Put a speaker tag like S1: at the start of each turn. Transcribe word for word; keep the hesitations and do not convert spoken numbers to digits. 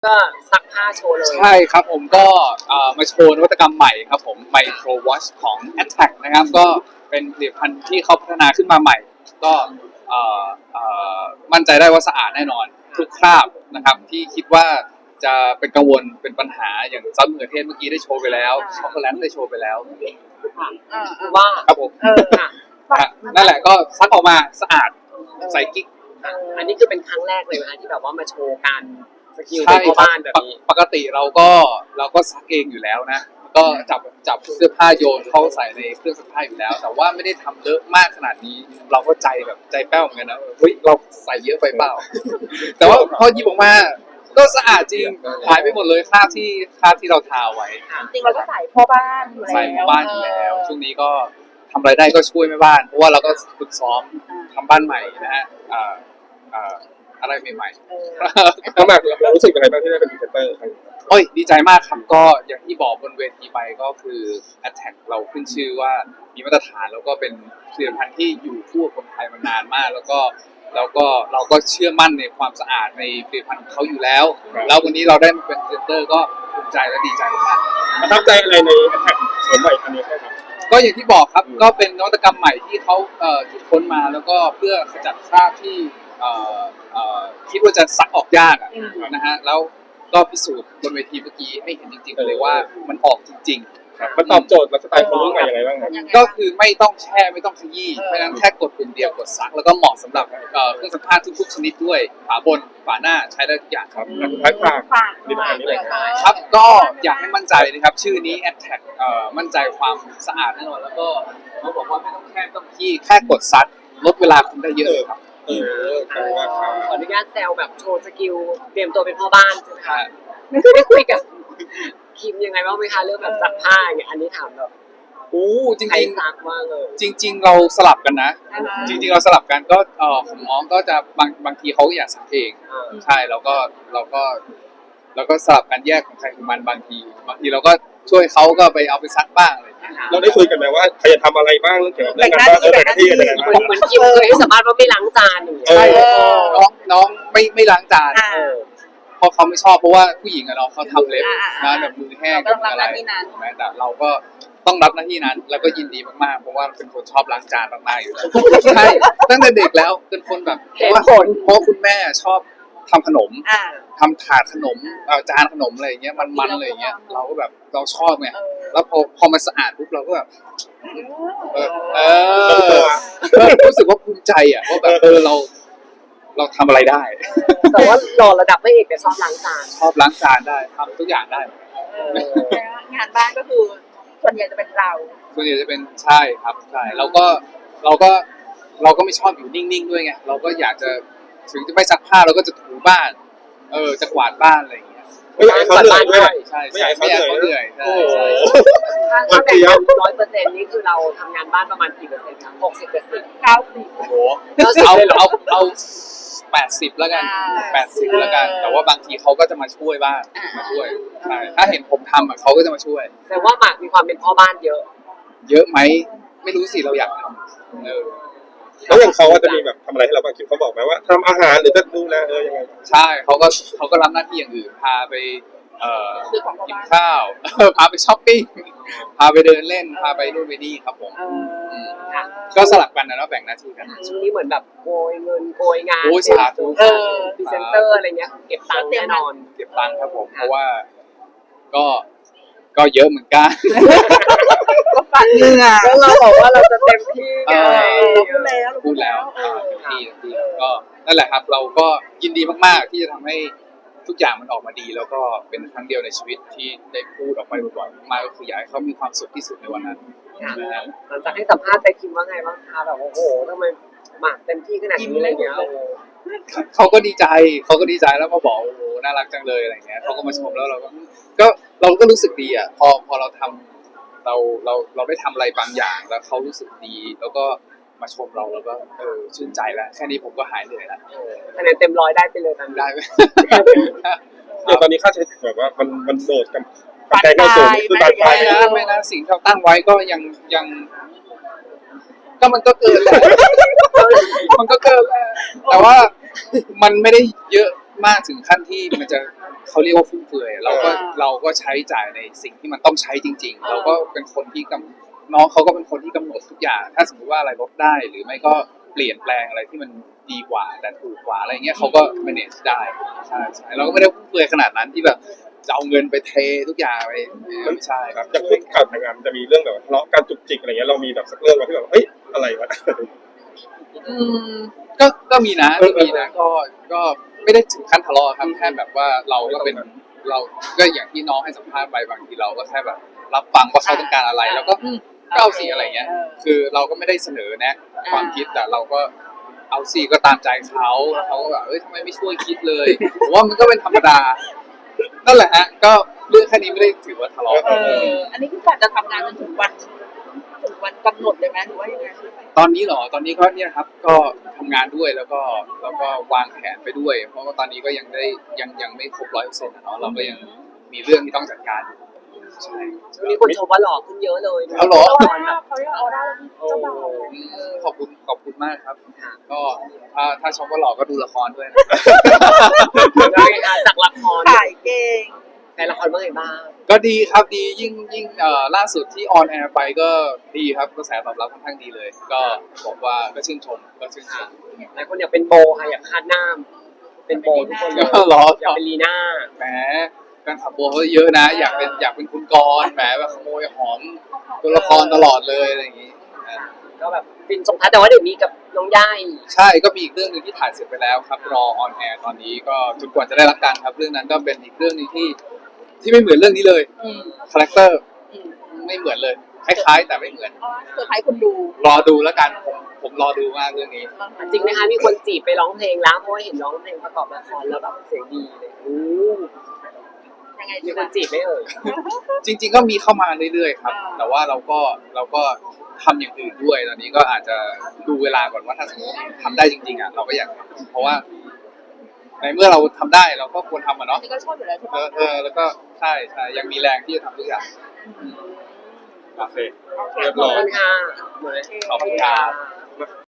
S1: ก็ซักผ้าโชว์เลย
S2: ใช่ครับผมก็มาโชว์นวัตกรรมใหม่ครับผม Micro Wash ของ Attack นะครับก็เป็นผลิตภัณฑ์ที่เขาพัฒนาขึ้นมาใหม่ก็มั่นใจได้ว่าสะอาดแน่นอนทุกคราบนะครับที่คิดว่าจะเป็นกังวลเป็นปัญหาอย่างซอสมะเขือเทศเมื่อกี้ได้โชว์ไปแล้วช็อกโกแลตได้โชว์ไปแล้ว
S1: คือว่า
S2: ครับผมนั่นแหละก็ซักออกมาสะอาดใส่กิ๊ก
S1: อันนี้คือเป็นครั้งแรกเลยนะที่แบบว่ามาโชว์การสกิลในบ้านแบบนี้
S2: ปกติเราก็เราก็ซักเองอยู่แล้วนะก็จับจับเสื้อผ้าโยนเข้าใส่ในเครื่องซักผ้าอยู่แล้วแต่ว่าไม่ได้ทำเยอะมากขนาดนี้เราก็ใจแบบใจแป้วเหมือนกันนะเฮ้ยเราใส่เยอะไปเปล่าแต่ว่าพอหยิบออกมาก็สะอาดจริงหายไปหมดเลยคราบที่คราบที่เราทาไว้
S3: จริงเราก็ใส่พ่อบ้านอยู่แล้ว
S2: ใส่พ่อบ้านอยู่แล้วช่วงนี้ก็ทำอะไรได้ก็ช่วยแม่บ้านเพราะว่าเราก็ฝึกซ้อมทำบ้านใหม่นะฮะอะไรใหม่ๆ
S4: น้องหมากเรารู้สึกยังไงบ้างที่ได้เป็นพรีเซนเตอร์
S2: โอ้ยดีใจมากครับก็อย่างที่บอกบนเวทีไปก็คือ Attack เราขึ้นชื่อว่ามีมาตรฐานแล้วก็เป็นผลิตภัณฑ์ที่อยู่คู่คนไทยมานานมากแล้วก็แล้วก็เราก็เชื่อมั่นในความสะอาดในผลิตภัณฑ์ของเขาอยู่แล้วแล้ววันนี้เราได้มาเป็นพรีเซนเตอร์ก็ภูมิใจและดีใจมาก
S4: ประทับใจอะไรใน Attack โฉมใหม่อันนี้ครับ
S2: ก็อย่างที่บอกครับก็เป็นนวัตกรรมใหม่ที่เขาเอ่อคิดค้นมาแล้วก็เพื่อขจัดคราบที่เอ่อเอ่อคิดว่าจะซักออกยากอ่ะนะฮะแล้วก็พิสูจน์บนเวทีเมื่อกี้ให้เห็นจริงๆเลยว่ามันออกจริง
S4: ๆมันตอบโจทย์และสไตล์คนรุ่นใหม่ยังไงบ้างครับ
S2: ก็คือไม่ต้องแช่ไม่ต้องขยี้เพราะฉะนั้นแค่กดปุ่มเดียวกดซักแล้วก็เหมาะสำหรับเครื่องซักผ้าทุกๆชนิดด้วยฝาบนฝาหน้าใช้ได้ทุกอย่างครับ
S4: ท้ายฝากดีมากนี่เลย
S2: ครับก็อยากให้มั่นใจนะครับชื่อนี้ Attack มั่นใจความสะอาดแน่นอนแล้วก็เขาบอกว่าไม่ต้องแช่ไม่ต้องขยี้แค่กดซักลดเวลาคุณได้เยอะครับ
S4: เออข
S1: ออนุญาตแซวแบบโชว์สกิลเตรียมตัวเป็นพ่อบ้านใช่ไหมคะได้คุยกับคิมยังไงบ้างไหมคะเรื่องแบบซักผ้าอย่างเงี้ยอันนี้ถามแบบ
S2: โอ้จริง
S1: จริงซักมากเลย
S2: จริงๆเราสลับกันนะจริงๆเราสลับกันก็เออของน้องก็จะบางบางทีเขาอยากซักเองใช่เราก็เราก็เราก็สลับกันแยกของใครของมันบางทีบางทีเราก็ช่วยเขาก็ไปเอาไปซักบ้างอะไร
S4: เราได้คุยกันไหมว่าใครจะทำอะไรบ้างเกี่ยวกับเรื่องการบ้านเออแต่ที่อะไรบ้าง
S1: เหมือนคิมเคยให้สัมภาษณ์ว่าไม่ล้างจานอย่างเงี้ย
S2: น้องน้องไม่ไม่ล้างจานเพราะเขาไม่ชอบเพราะว่าผู้หญิงอะเนาะเขาทำเล็บนะแบบมือแห้งกับอะไรแต่เราก็ต้องรับหน้าที่นั้นแล้วก็ยินดีมากๆเพราะว่าเป็นคนชอบล้างจานมากๆอยู่แล้วใช่ตั้งแต่เด็กแล้วเป็นคนแบบเพราะว่าเพราะคุณแม่ชอบทำขนมทำถาดขนมจานขนมอะไรอย่างเงี้ยมันๆอะไรอย่างเงี้ยเราก็แบบเราชอบไงแล้วพอพอมันสะอาดปุ๊บเราก็แบบเออรู้สึกว่าภูมิใจอ่ะว่าแบบเออเราเราทำอะไรได้
S1: แต่ว่าหล่อระดับพระเอกแต่ชอบล้างจาน
S2: ชอบล้างจานได้ทำทุกอย่างได้
S3: งานบ้านก็คือส่วนใหญ่จะเป็นเรา
S2: ส่วนใหญ่จะเป็นใช่ครับใช่เราก็เราก็เราก็ไม่ชอบอยู่นิ่งๆด้วยไงเราก็อยากจะถึงจะไม่ซักผ้าเราก็จะถูบ้านเออจะกวาดบ้านอะไรอย่างเงี้ย
S4: ไม่อยากให้เขาเหนื่อยด้วย
S2: ใช่ไม่อยากให้เขาเหนื่อยใช่ใช่
S1: ถ้าแบ่งร้อยเปอร์เซ็นต์นี่คือเราทำงานบ้านประมาณกี่เปอร์เซ็นต์ครับหกสิบเปอร์เซ็นต์
S3: เก้าสิบ
S2: โอ้โหเอาเอาเอาแปดสิบแล้วกันแปดสิบแล้วกันแต่ว่าบางทีเขาก็จะมาช่วยบ้างมาช่วยใช่ถ้าเห็นผมทำอ่ะเขาก็จะมาช่วย
S1: แต่ว่าหมากมีความเป็นพ่อบ้านเยอะ
S2: เยอะไหมไม่รู้สิเราอยากทำเออ
S4: แล้วอย่างเขาจะมีแบบทำอะไรให้เราบ้างคิดเขาบอกไหมว่าทำอาหารหรือจะดูแลเออยังไง
S2: ใช่เขาก็เขาก็รับหน้าที่อย่างอื่นพาไปเอ่อกินข้าวพาไปช้อปปิ้งพาไปเดินเล่นพาไปนู่นไปนี่ครับผมก็สลับกันนะเนาะแบ่งหน้าที่กัน
S1: ช่วงนี้เหมือนแบบโกยเงินโกยงาน
S2: โอ้ยสาธุ
S1: เออพรีเซนเตอร์อะไรเงี้ยเก็บตังค์แน่นอน
S2: เก็บตังค์ครับผมเพราะว่าก็ก็เยอะเหมือนกัน
S3: ก็ปัดเงื่อ
S1: แล้วเราบอกว่าเราจะเต็มที่ไง
S3: พูดแล้ว
S2: พูดแล้วเต็มที่เต็มที่ก็นั่นแหละครับเราก็ยินดีมากๆที่จะทำให้ทุกอย่างมันออกมาดีแล้วก็เป็นครั้งเดียวในชีวิตที่ได้พูดออกไปบ่อยๆมากก็คืออยากให้เขามีความสุขที่สุดในวันนั้น
S1: หลังจากให้สัมภาษณ์ไปคิมว่าไงบ้างคะแบบโอ้โหทำไมหมากเต็มที่ขนาดนี้อะไรเงี้ย
S2: เขาก็ดีใจเขาก็ดีใจแล้วมาบอกโอ้โหน่ารักจังเลยอะไรเงี้ยเขาก็มาชมแล้วเราก็ก็เราก็รู้สึกดีอ่ะพอพอเราทำเราเราเราได้ทำอะไรบางอย่างแล้วเขารู้สึกดีแล้วก็มาชมเราแล้วก็เออชื่นใจแล้วแค่นี้ผมก็หายเหนื่อยแล้ว
S1: คะแนนเต็มร้อยได้ไปเลยตอนนี้
S2: ได้ไหม
S4: เดี๋ยวตอนนี้ค่าใช้จ่ายแบบว่ามันมันโดดกับปัจจัยก็สูงคือปัจจั
S2: ยไม่นะไม่นะสิ่งที่เราตั้งไว้ก็ยังยังก็มันก็เกินแหละมันก็เกินแหละแต่ว่ามันไม่ได้เยอะมากถึงขั้นที่มันจะเขาเรียกว่าฟุ่มเฟือยเราก็เราก็ใช้จ่ายในสิ่งที่มันต้องใช้จริง ๆ เราก็เป็นคนที่กำน้องเขาก็เป็นคนที่กำหนดทุกอย่าง ถ้าสมมติว่าอะไรลดได้หรือไม่ก็เปลี่ยนแปลงอะไรที่มันดีกว่าแต่ถูกกว่าอะไรเงี้ยเขาก็ manage ได้ใช่ใช่เราก็ไม่ได้ฟุ่มเฟือยขนาดนั้นที่แบบจะเอาเงินไปเททุกอย่างไปไม่ใช่
S4: ครับจากคุกการทำงานมันจะมีเรื่องแบบทะเลาะการจุกจิกอะไรเงี้ยเรามีแบบสักเรื่องมาที่แบบเฮ้ยอะไรวะ
S2: อืมก็ก็มีนะก็มีนะก็ก็ไม่ได้ถึงขั้นทะเลาะครับแค่แบบว่าเราก็เป็นเราก็อย่างที่น้องให้สัมภาษณ์ไปบางทีเราก็แค่แบบรับฟังว่าเขาต้องการอะไร แล้วก็อืมก็เอาสิอะไรเงี้ย คือเราก็ไม่ได้เสนอแนะความคิดแต่เราก็เอาสิก็ตามใจเขาแล้วเขาก็แบบเอ้ยทำไมไม่ช่วยคิดเลยผมว่ามันก็เป็นธรรมดานั่นแหละฮะก็เรื่องแค่นี้ไม่ได้ถือว่าทะเลาะ
S3: เอออันนี้คือการจะทำงานจนถึงวันถึงวันกำหนดเลยไหมหรือว่ายังไง
S2: ตอนนี้เหรอ ตอนนี้ก็เนี่ยครับ ก็ทำงานด้วยแล้วก็แล้วก็วางแผนไปด้วย เพราะว่าตอนนี้ก็ยังได้ยังยังไม่ครบร้อยเปอร์เซ็นต์นะเนาะ เราก็ยังมีเรื่องที่ต้องจัดการอยู่ใช่
S1: ช่วงนี้คนชมว่าหล่อขึ้นเยอะเลย
S2: เอาเหรอ
S1: ตอนแบบ
S3: เขาเรียกออร่าเจ้าบ่าว
S2: อืมขอบคุณขอบคุณมากครับ ก็ถ้าถ้าชมว่าหล่อก็ดูละครด้วยนะ
S1: แล้วไงคะจากละคร
S3: ขายเก่ง
S1: แต่ละครเมื่อไงบ้าง
S2: ก็ดีครับดียิ่งยิ่งเอ่อล่าสุดที่ออนแอร์ไปก็ดีครับกระแสตอบรับค่อนข้างดีเลย ก็บอกว่าก็ชื่นชมก็ชื่นชม
S1: หลายคนอยากเป็นโบค่ะอยากคาดหน้าเป็นโบทุกคนเลย
S2: หรอ
S1: อยากเป็นลีน่า
S2: แหมแฟนคลับโบเขาเยอะนะ อยากเป็นอยากเป็นคุณกรณ์แหมแบบขโมยหอมตัวละครตลอดเลยอะไรอย่างงี้อ่า
S1: ก็แบบฟินสงท้ายแต่ว่าเดี๋ยวมีกับน้องย่าย
S2: ใช่ก็มีอีกเรื่องหนึงที่ถ่ายเสร็จไปแล้วครับรอออนแอร์ตอนนี้ก็จนกว่าจะได้รับการครับเรื่องนั้นก็เป็นอีกเรื่องหนึงที่ที่ไม่เหมือนเรื่องนี้เลย
S3: อืม
S2: คาแรคเตอร์
S3: อืม
S2: ไม่เหมือนเลยคล้ายๆแต่ไม่เหมือน
S3: เซอร์ไพรส์คนดู
S2: รอดูแล้วกันผมผมรอดูมากเรื่องนี้
S1: จริงไหมคะมีคนจีบไปร้องเพลงแล้วเพราะว่าเห็นร้องเพลงประกอบละครแล้วแบบเสียงดีเลยอู้
S3: ยังไง
S1: มี
S3: ดี
S1: คนจีบไหมเอ่ย
S2: จริง ๆ ก็มีเข้ามาเรื่อยๆครับ
S3: อ่า
S2: แต่ว่าเราก็เราก็ทำอย่างอื่นด้วย ตอนนี้ก็อาจจะดูเวลาก่อนว่าถ้าสมมติทำได้จริงๆอ่ะเราก็อยากทำเพราะว่า ในเมื่อเราทำได้เราก็ควรทำอ่ะเนาะ
S3: นี่ก็ชอบอยู่แล้วใช่
S2: เอ
S3: ปะ
S2: อเออแล้วก็ใช่ใช่ยังมีแรงที่จะทำทุกอย่าง
S4: โอเค
S3: โอเค
S4: เรียบ
S1: ข
S4: ร้
S1: อบ
S4: อย
S1: คุณค่ะ
S2: ขอบคุณครับ